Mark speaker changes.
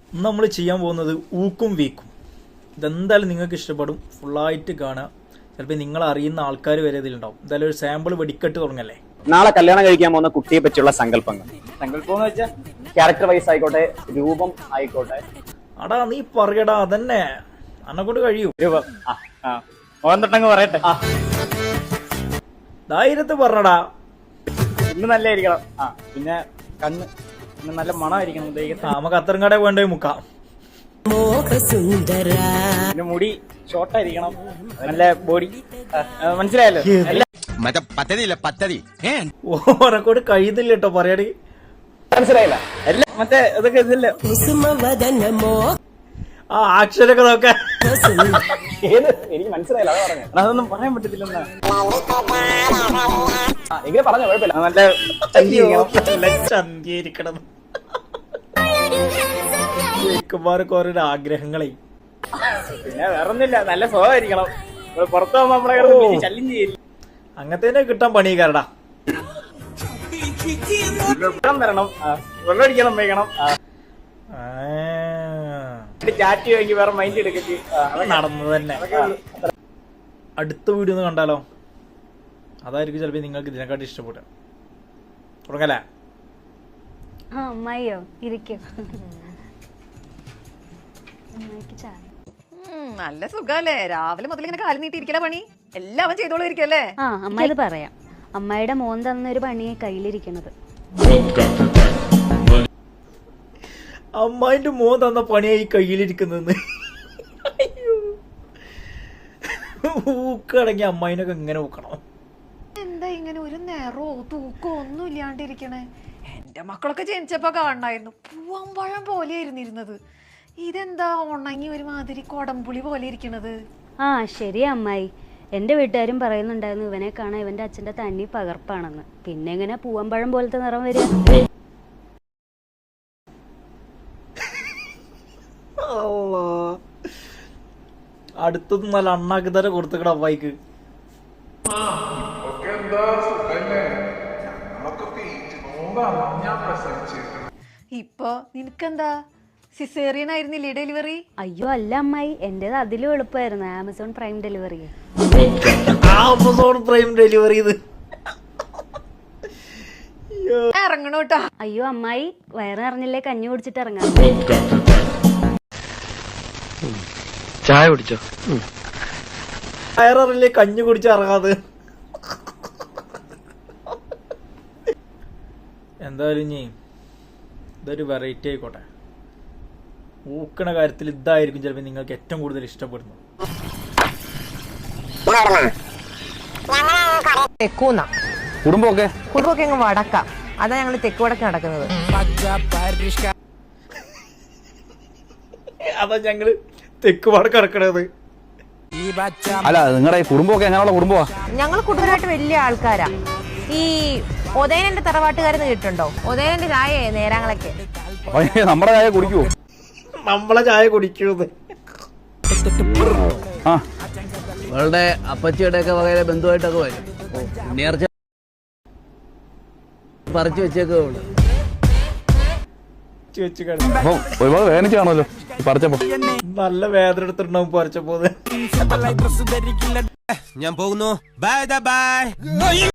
Speaker 1: നമ്മൾ ചെയ്യാൻ പോകുന്നത് ഊക്കും വീക്കും. ഇതെന്തായാലും നിങ്ങൾക്ക് ഇഷ്ടപ്പെടും. ഫുള്ളായിട്ട് കാണുക. ചിലപ്പോൾ നിങ്ങൾ അറിയുന്ന ആൾക്കാർ വരെ ഇതിലുണ്ടാവും. എന്തായാലും ഒരു സാമ്പിൾ വെടിക്കെട്ട് തുടങ്ങല്ലേ.
Speaker 2: നാളെ കല്യാണം കഴിക്കാൻ പോകുന്ന കുട്ടിയെ പറ്റിയുള്ള സങ്കല്പങ്ങൾ എന്ന് വെച്ചാൽ ക്യാരക്ടർ വൈസ് ആയിക്കോട്ടെ, രൂപം ആയിക്കോട്ടെ.
Speaker 1: അടാ നീ പറയടാ, അതന്നെ അന്നെ കൊണ്ട് കഴിയൂ.
Speaker 2: രൂപം തൊട്ടങ്ങ് പറയട്ടെ.
Speaker 1: ധൈര്യത്ത് പറഞ്ഞടാ.
Speaker 2: ഇന്ന് നല്ലായിരിക്കണം. പിന്നെ കണ്ണ് നല്ല മണമായിരിക്കണം.
Speaker 1: നമുക്ക് അത്തരം കട വേണ്ടേ മുക്കാം.
Speaker 2: പിന്നെ മുടി ഷോർട്ടായിരിക്കണം. നല്ല ബോഡി. മനസ്സിലായല്ലോ.
Speaker 1: ഓരെക്കൊണ്ട് കഴിയുന്നില്ല കേട്ടോ പറയാടി.
Speaker 2: മനസ്സിലായില്ല. എല്ലാം മറ്റേ ഇതൊക്കെ ഇതില്ലേ
Speaker 1: ആ ആക്ഷനൊക്കെ നോക്കാൻ.
Speaker 2: എനിക്ക് മനസ്സിലായില്ല. അതാ പറഞ്ഞത്. അതൊന്നും പറയാൻ പറ്റത്തില്ലെന്നാ. എങ്ങനെ പറഞ്ഞ കുഴപ്പമില്ല. നല്ല
Speaker 1: ചന്തിയിരിക്കണം. ചെക്കന്മാരൊക്കെ ഓരോ ആഗ്രഹങ്ങളെ.
Speaker 2: പിന്നെ വേറൊന്നുമില്ല, നല്ല സ്വഭാവമായിരിക്കണം. പുറത്തു പോകുമ്പോ നമ്മളെ ശല്യം ചെയ്യില്ല.
Speaker 1: അങ്ങനത്തെ കിട്ടാൻ പണിക്കാരടാ.
Speaker 2: വെള്ളം തരണം, വെള്ളം അടിക്കണം, വയ്ക്കണം, ചാറ്റ് വാങ്ങി വേറെ മൈൻഡ് എടുക്കച്ച്
Speaker 1: നടന്നത് തന്നെ. അടുത്ത വീഡിയോ ഒന്ന് കണ്ടാലോ? അതായിരിക്കും ചിലപ്പോ നിങ്ങൾക്ക് ഇതിനെക്കാട്ടി ഇഷ്ടപ്പെടുക. തുടങ്ങല്ലേ?
Speaker 3: അമ്മയോ ഇരിക്കും.
Speaker 4: നല്ല സുഖല്ലേ? രാവിലെ മുതൽ ഇങ്ങനെ കാലം നീട്ടിയിരിക്കല പണി എല്ലാം ചെയ്തോളൂ ഇരിക്കല്ലേ?
Speaker 3: അമ്മ ഇത് പറയാം. അമ്മയുടെ മോൻ തന്നൊരു പണിയെ കയ്യിലിരിക്കണത്.
Speaker 1: അമ്മായിന്റെ മോൻ തന്ന പണിയായി കയ്യിലിരിക്കുന്നെന്ന്. ഊക്കടങ്ങി അമ്മായിനൊക്കെ ഇങ്ങനെ ഊക്കണം.
Speaker 4: എന്താ ഇങ്ങനെ ഒരു നേരോ തൂക്കോ ഒന്നും ഇല്ലാണ്ടിരിക്കണേ? എന്റെ മക്കളൊക്കെ ജനിച്ചപ്പോ കാണണായിരുന്നു, പൂവമ്പഴം പോലെയായിരുന്നു ഇരുന്നത്. ഇതെന്താ ഉണങ്ങി ഒരുമാതിരി കൊടംപുളി പോലെ ഇരിക്കണത്?
Speaker 3: ശരി അമ്മായി. എന്റെ വീട്ടുകാരും പറയുന്നുണ്ടായിരുന്നു ഇവനെ കാണാൻ ഇവന്റെ അച്ഛന്റെ തന്നി പകർപ്പാണെന്ന്. പിന്നെ എങ്ങനെ പൂവമ്പഴം പോലത്തെ നിറം വരിക?
Speaker 1: അടുത്തത് നല്ല അണ്ണാക്കി തന്നെ കൊടുത്തക്കട അമ്മായിക്ക്.
Speaker 4: ഇപ്പൊ നിനക്കെന്താ സിസേറിയൻ ആയിരുന്നില്ലേ ഡെലിവറി?
Speaker 3: അയ്യോ അല്ല അമ്മായി, എന്റേത് അതിലും എളുപ്പമായിരുന്നു. Amazon Prime delivery.
Speaker 1: Amazon Prime delivery ഇത്
Speaker 4: ഇറങ്ങണോട്ടാ.
Speaker 3: അയ്യോ അമ്മായി, വയറ് നിറഞ്ഞില്ലേ കഞ്ഞി കുടിച്ചിട്ട് ഇറങ്ങാം.
Speaker 5: ചായ കുടിച്ചോ?
Speaker 1: വയറില്ലേ കഞ്ഞി കുടിച്ച് ഇറങ്ങാതെ. എന്തായാലും ഇനി ഇതൊരു വെറൈറ്റി ആയിക്കോട്ടെ. ഊക്കണ കാര്യത്തിൽ ഇതായിരിക്കും ചിലപ്പോൾ നിങ്ങൾക്ക് ഏറ്റവും കൂടുതൽ ഇഷ്ടപ്പെടുന്നത്.
Speaker 6: തെക്കൂന്ന
Speaker 5: കുടുംബമൊക്കെ
Speaker 6: അങ്ങ് വടക്കാം. അതാ ഞങ്ങൾ തെക്ക് വടക്ക് നടക്കുന്നത്.
Speaker 1: അതാ ഞങ്ങള് തെക്ക് വടക്ക് കിടക്കണത്.
Speaker 5: അല്ല, നിങ്ങളുടെ കുടുംബമൊക്കെ എങ്ങനെയുള്ള കുടുംബമാ?
Speaker 6: ഞങ്ങൾ കുടുംബമായിട്ട് വലിയ ആൾക്കാരാ. ഈ ഒതേനന്റെ തറവാട്ടുകാരെന്ന് കേട്ടിട്ടുണ്ടോ? ഒതേനന്റെ ചായ നേരാങ്ങളൊക്കെ.
Speaker 5: നമ്മുടെ ചായ കുടിക്കുവോ?
Speaker 1: നമ്മളെ ചായ കുടിക്കുന്നത്
Speaker 7: അവളുടെ അപ്പച്ചിയുടെ ഒക്കെ വകയിലെ ബന്ധുവായിട്ടൊക്കെ വരും. നേർച്ച പറിച്ചു വെച്ചേക്കോ.
Speaker 5: ഒരുപാട് വേദനിച്ച് കാണുമല്ലോ പറിച്ചപ്പോ.
Speaker 1: നല്ല വേദന എടുത്തിട്ടുണ്ടാവും പറിച്ചപ്പോ.
Speaker 8: ഞാൻ പോകുന്നു. Bye by.